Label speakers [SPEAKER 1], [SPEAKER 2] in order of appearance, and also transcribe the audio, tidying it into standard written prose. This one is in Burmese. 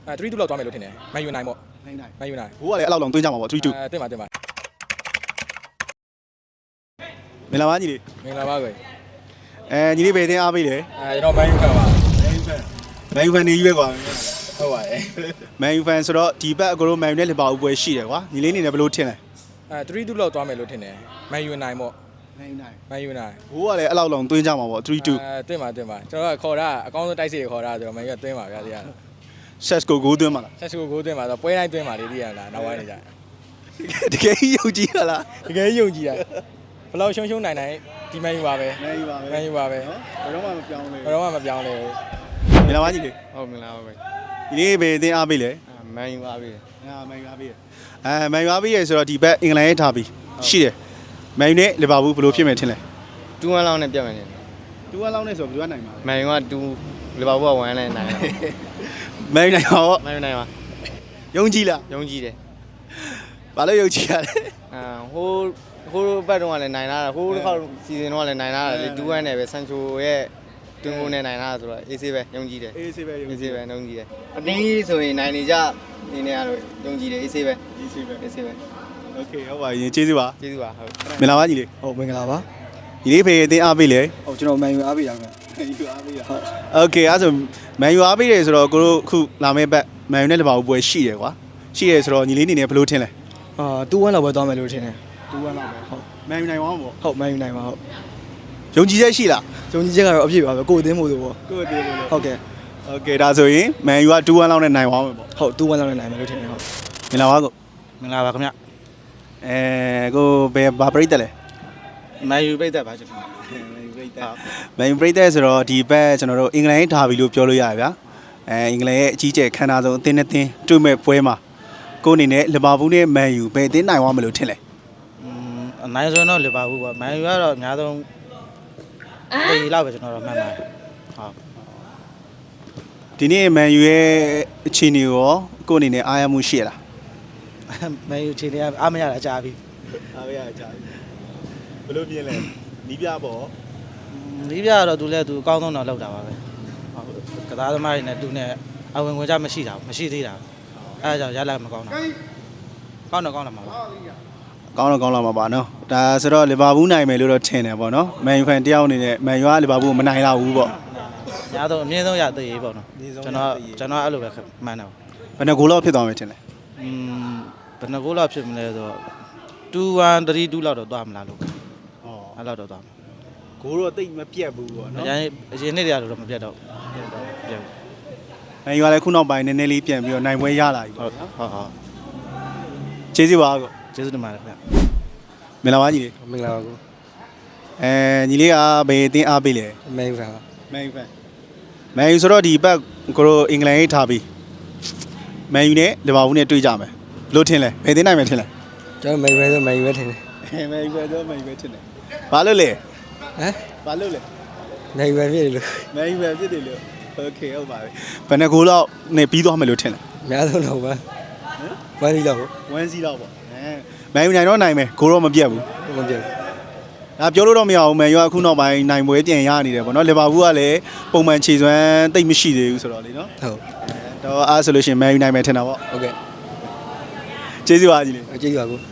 [SPEAKER 1] 3-2လောက်သွားမယ်လို့ထင်တယ်မန်ယူနိုင်ပေါ့မန်ယူနိုင်
[SPEAKER 2] ဘိုးကလည်းအဲ့လောက်လုံးသွင်းကြမှာပေါ့3-2
[SPEAKER 1] တင်ပါ
[SPEAKER 2] မင်္ဂလာပါညီလေး
[SPEAKER 1] မင်္ဂလာပါကွယ်
[SPEAKER 2] ညီလေးဘယ်တင်းအားပေးလဲ
[SPEAKER 1] ကျွန်တော်မန်ယူfanပါ
[SPEAKER 2] မန်ယူဖန်နေကြီးပဲကွာ
[SPEAKER 1] ဟုတ်ပါတယ်
[SPEAKER 2] မန်ယူဖန်ဆိုတော့ဒီဘက်အကိုတို့မန်ယူနဲ့လီဗာပူးပွဲရှိတယ်ကွာညီလေးအနေနဲ့ဘယ်လိုထင်လဲ
[SPEAKER 1] 3-2လောက်သွားမယ်လို့ထင်တယ်မန်ယူနိုင်ပေါ့မန်ယူနိုင်
[SPEAKER 2] ဘိုးကလည်းအဲ့လောက်လုံးသွင်းကြမှာပေါ့3-2
[SPEAKER 1] တင်ပါကျွန်တော်ကခေါ်တာအကောင်းဆုံးတိုက်စစ်ခေါ်တာဆိုတော့မန်ယူကသွင်းပါဗျာဒီက
[SPEAKER 2] ဆက်ကိုဂိုးသွင်းမှာလား
[SPEAKER 1] ဆက်စုကိုသွင်းပါဆိုပွဲတိုင်းသွင်းပါလေဒီကလားနောက်ပိုင်းနေကြ
[SPEAKER 2] တကယ်ယုံကြည်ရလား
[SPEAKER 1] တကယ်ယုံကြည်တာဘယ်လောက်ရှုံးနိုင်ဒီမန်ယူပါပဲ
[SPEAKER 2] မန်ယူပါပဲ
[SPEAKER 1] မန်ယူပါပဲ
[SPEAKER 2] ဘယ်တော့မှမပြောင်းလဲ
[SPEAKER 1] ဘယ်တော့မှမပြောင်းလဲဘူး
[SPEAKER 2] မင်္ဂလာပါညီလေး
[SPEAKER 3] ဟုတ်မင်္ဂလာပါပဲ
[SPEAKER 2] ညီလေးဘယ်တင်းအားပေးလဲ
[SPEAKER 3] မန်ယူပါပြီ
[SPEAKER 2] မန်ယူအားပေးရမန်ယူအားပေးရဆိုတော့ဒီဘက်အင်္ဂလန်ရဲ့ထားပြီးရှိတယ်မန်ယူနဲ့လီဗာပူးဘယ်လိုဖြစ်မယ်ထင်လဲ
[SPEAKER 3] 2-1လောက်နဲ့ပြတ်မယ်နေ
[SPEAKER 2] 2-1လောက်နဲ့ဆိုဘယ်သူကနိုင်မှာလဲ
[SPEAKER 3] မန်ယူက2လီဗာပူးက1နဲ့နိုင်တယ်
[SPEAKER 2] မန်ယူနိုင်ပါပေါ့
[SPEAKER 3] မန်ယူနိုင်ပါ
[SPEAKER 2] ယုံကြည်လား
[SPEAKER 3] ယုံကြည်တယ်
[SPEAKER 2] ဘာလို့ယုံကြည်ရလဲ
[SPEAKER 3] ဟိုဘက်တုန်းကလည်းနိုင်လာတာဟိုတစ်ခေါက်စီဇန်တော့လည်းနိုင်လာတာလေ2-1နဲ့ပဲဆန်ချိုရဲ့တွင်းကိုနဲ့နိုင်လာတာဆိုတော့အေးဆေးပဲယုံကြည်တယ်
[SPEAKER 2] အေးဆေးပဲယုံ
[SPEAKER 3] အေး
[SPEAKER 2] ကြည်
[SPEAKER 3] ဆေးပဲယုံကြည်တယ်အတင်းဆိုရင်နိုင်နေကြနေနေရတော့ယုံကြည်တယ်အေးဆေးပဲ
[SPEAKER 2] အေးဆေးပဲ
[SPEAKER 3] အေးဆေးပဲ
[SPEAKER 2] โอเคဟုတ်ပါရင်ကျေးဇူးပါ
[SPEAKER 3] ကျေးဇူးပါဟုတ်
[SPEAKER 2] မင်္ဂလာပါညီလေး
[SPEAKER 4] ဟုတ်မင်္ဂလာပါ
[SPEAKER 2] ညီလေးဖေးအတင်းအားပေးလေ
[SPEAKER 4] ဟုတ်ကျွန်တော်မန်ယူအားပေးတာခင်ဗျ
[SPEAKER 2] မန်ယူအားပေးရဟုတ်โอเคအဲ့ဆိုမန်ယူအားပေးတယ်ဆိုတော့ကိုတို့အခုလာမယ့်ဘက်မန်ယူနဲ့လီဗာပူးပွဲရှိတယ်ကွာရှိတယ်ဆိုတော့ညီလေးအနေနဲ့ဘယ်လိုထင်လဲ
[SPEAKER 4] 2-1လောက်ပဲသွားမယ်လို့ထင်တယ်
[SPEAKER 2] 2-1လောက်ပဲဟုတ်မန်ယူနိုင်အောင်ပေါ့
[SPEAKER 4] ဟုတ်မန်ယူနိုင်ပါဟုတ်
[SPEAKER 2] ယုံကြည်ချက်ရှိလား
[SPEAKER 4] ဂျုံကြီးချက်ကတော့အပြည့်ပါပဲကိုယ်အသင်းမို့ဆိုပေါ့
[SPEAKER 2] ကိုယ့်အတင်းလို့
[SPEAKER 4] ဟုတ်ကဲ့
[SPEAKER 2] โอเคဒါဆိုရင်မန်ယူက2-1လောက်နဲ့နိုင်အောင်မယ်ပေါ့
[SPEAKER 4] ဟုတ်2-1လောက်နဲ့နိုင်မယ်လို့ထင်တယ်ဟုတ်
[SPEAKER 2] မင်္ဂလာပါကို
[SPEAKER 5] မင်္ဂလာပါခင်ဗျ
[SPEAKER 2] ကိုဘယ်ဘာပရိသတ်လဲ
[SPEAKER 5] မန်ယူပိတ်သက်ပါကျွန်တော်
[SPEAKER 2] မန်ယူပရိသတ်ဆိုတော့ဒီဘက်ကျွန်တော်တို့အင်္ဂလန်ရဲ့ထားပြီလို့ပြောလို့ရတယ်ဗျာအင်္ဂလန်ရဲ့အကြီးကျယ်ခမ်းနားဆုံးအသင်းနဲ့အသင်းတွေ့မဲ့ပွဲမှာကိုအနေနဲ့လီဗာပူးနဲ့မန်ယူဘယ်အသင်းနိုင်သွားမလို့ထင်လဲ
[SPEAKER 5] အနိုင်ဆုံးတော့လီဗာပူးပါမန်ယူကတော့အများဆုံးဒီလောက်ပဲကျွန်တော်တို့မှတ်ပါတယ်ဟုတ်
[SPEAKER 2] ဒီနေ့မန်ယူရဲ့အခြေအနေရောကိုအနေနဲ့အားရမှုရှိရလား
[SPEAKER 5] မန်ယူခြေနေအားမရတာအကြပြီ
[SPEAKER 2] အားရကြပြီဘယ်လိုမြင်လဲနီးပြပေါ့
[SPEAKER 5] ဒီပြကတော့သူလည်းသူအကောင်းဆုံးတော့လောက်တာပါပဲဟုတ်ကစားသမားတွေနဲ့သူနဲ့အဝင်ဝင်ကြမရှိတာမရှိသေးတာအဲဒါကြောင့်ရလာမကောင်းတာကောင်းတော့ကောင်းလာမှာပါ
[SPEAKER 2] ကောင်းတော့ကောင်းလာမှာပါနော်ဒါဆိုတော့လီဗာပူးနိုင်မယ်လို့တော့ထင်တယ်ပေါ့နော်မန်ယူဖန်တယောက်အနေနဲ့မန်ယူကလီဗာပူးကိုမနိုင်တော့ဘူးပေါ့
[SPEAKER 5] အများဆုံးအမြင့်ဆုံးရသေးရေးပေါ့နော်ကျွန်တော်အဲ့လိုပဲမှန်းတယ်
[SPEAKER 2] ဘယ်နှဂိုးလောက်ဖြစ်သွားမယ်ထင်လဲ
[SPEAKER 5] ဘယ်နှကိုလောက်ဖြစ်မလဲဆိုတော့2-1 3-2လောက်တော့သွားမလားလို့
[SPEAKER 2] ဩ
[SPEAKER 5] အဲ့လောက်တော့သွားမှာ
[SPEAKER 2] ဂိုးတော့တိတ်မပြတ်ဘူးပေါ့နော်
[SPEAKER 5] အရင်နှစ်တည်းကတော့မပြတ်တော့ပြတ်
[SPEAKER 2] မန်ယူကလည်းခုနောက်ပိုင်းနည်းနည်းလေးပြန်ပြီးတော့နိုင်ပွဲရလာပြီ
[SPEAKER 5] ဟု
[SPEAKER 2] ပေါ့
[SPEAKER 5] တ်
[SPEAKER 2] နော်
[SPEAKER 5] ဟုတ်
[SPEAKER 2] ကျေးဇူးပါကို
[SPEAKER 5] ကျေးဇူးတင်ပါတယ်ခင်ဗျ
[SPEAKER 2] မင်္ဂလာပါညီလေး
[SPEAKER 4] မင်္ဂလာပါကို
[SPEAKER 2] ညီလေးကဘယ်အသင်းအားပေးလဲ
[SPEAKER 4] မန်ယူဖန်ပါ
[SPEAKER 2] မန်ယူဖန်မန်ယူဆိုတော့ဒီဘက်ကိုတို့အင်္ဂလန်ရေးထားပြီးမန်ယူနဲ့လီဗာပူးနဲ့တွေ့ကြမယ်လို့ထင်လဲဘယ်အသင်းနိုင်မယ်ထင်လဲ
[SPEAKER 4] ကျွန်တော်မန်ယူပဲဆိုမန်ယူပဲထင်တယ်
[SPEAKER 2] မန်ယူပဲတော့မန်ယူပဲထင်တယ်ဘာလို့လဲ
[SPEAKER 4] ဟမ်
[SPEAKER 2] ဘာလို့လဲ
[SPEAKER 4] မန်ယူပဲဖြစ်တယ်လို့
[SPEAKER 2] မန်ယူပဲဖြစ်တယ်လို့โอเคဟုတ်ပါပြီဘယ်နှဂိုးလောက်နဲ့ပြီးသွားမယ်လို့ထင်လဲ
[SPEAKER 4] အများဆုံးတော့ပါဝမ်းစီလောက်
[SPEAKER 2] 1-0လောက်ပေါ့မန်ယူနိုင်တော့နိုင်မယ်ဂိုးတော့မပြတ်ဘူး
[SPEAKER 4] ကိုမပြတ်
[SPEAKER 2] ဒါပြောလို့တော့မရဘူးမန်ယူကအခုနောက်ပိုင်းနိုင်ပွဲပြန်ရနေတယ်ပေါ့နော်လီဗာပူးကလည်းပုံမှန်ခြေစွမ်းတိတ်မရှိသေးဘူးဆိုတော့လေနော်
[SPEAKER 4] ဟုတ်
[SPEAKER 2] တော့အားဆိုလို့ရှိရင်မန်ယူနိုင်မယ်ထင်တာပေါ့
[SPEAKER 4] ဟုတ်ကဲ့
[SPEAKER 2] ကျေးဇူးပါကြီးလေး
[SPEAKER 4] ကျေးဇူးပါကို